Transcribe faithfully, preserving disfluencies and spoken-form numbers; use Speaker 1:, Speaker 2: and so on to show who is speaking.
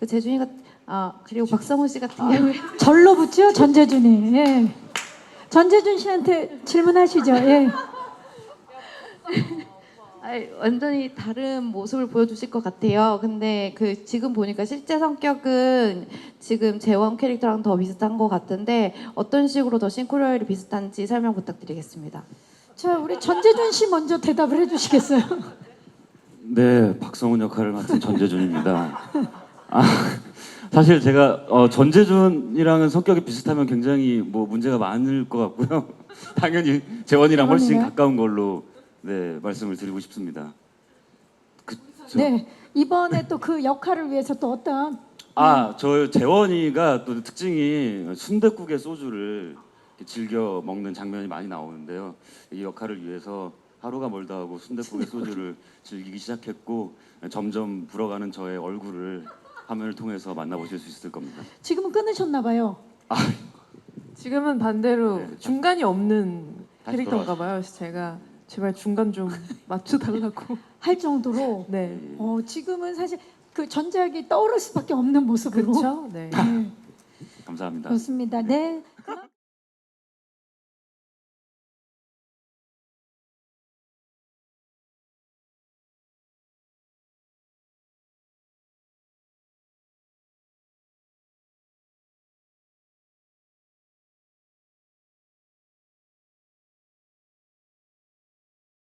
Speaker 1: 그 재준이가 아 그리고 박성호 씨 같은 경우에
Speaker 2: 절로 붙죠 전재준이. 예. 전재준 씨한테 질문하시죠. 예.
Speaker 1: 아이, 완전히 다른 모습을 보여주실 것 같아요. 근데 그 지금 보니까 실제 성격은 지금 재원 캐릭터랑 더 비슷한 것 같은데 어떤 식으로 더 싱크로율이 비슷한지 설명 부탁드리겠습니다.
Speaker 2: 자 우리 전재준 씨 먼저 대답을 해주시겠어요?
Speaker 3: 네, 박성훈 역할을 맡은 전재준입니다. 아, 사실 제가 어, 전재준이랑은 성격이 비슷하면 굉장히 뭐 문제가 많을 것 같고요. 당연히 재원이랑 훨씬
Speaker 2: 재원이요?
Speaker 3: 가까운 걸로 네 말씀을 드리고 싶습니다. 그쵸?
Speaker 2: 네. 이번에 또 그 역할을 위해서 또 어떤
Speaker 3: 아, 저 재원이가 또 특징이 순댓국에 소주를 이렇게 즐겨 먹는 장면이 많이 나오는데요. 이 역할을 위해서 하루가 멀다 하고 순댓국에 소주를 즐기기 시작했고 점점 불어가는 저의 얼굴을 화면을 통해서 만나보실 수 있을 겁니다.
Speaker 2: 지금은 끊으셨나 봐요.
Speaker 4: 지금은 반대로
Speaker 3: 네,
Speaker 4: 중간이 없는
Speaker 3: 다시
Speaker 4: 캐릭터인가 봐요. 그래서 제가 제발 중간 좀 맞춰달라고.
Speaker 2: 할 정도로
Speaker 4: 네.
Speaker 2: 어, 지금은 사실 그 전작이 떠오를 수밖에 없는 모습으로.
Speaker 4: 그렇죠. 네.
Speaker 2: 네,
Speaker 3: 감사합니다.
Speaker 2: 그렇습니다. 네.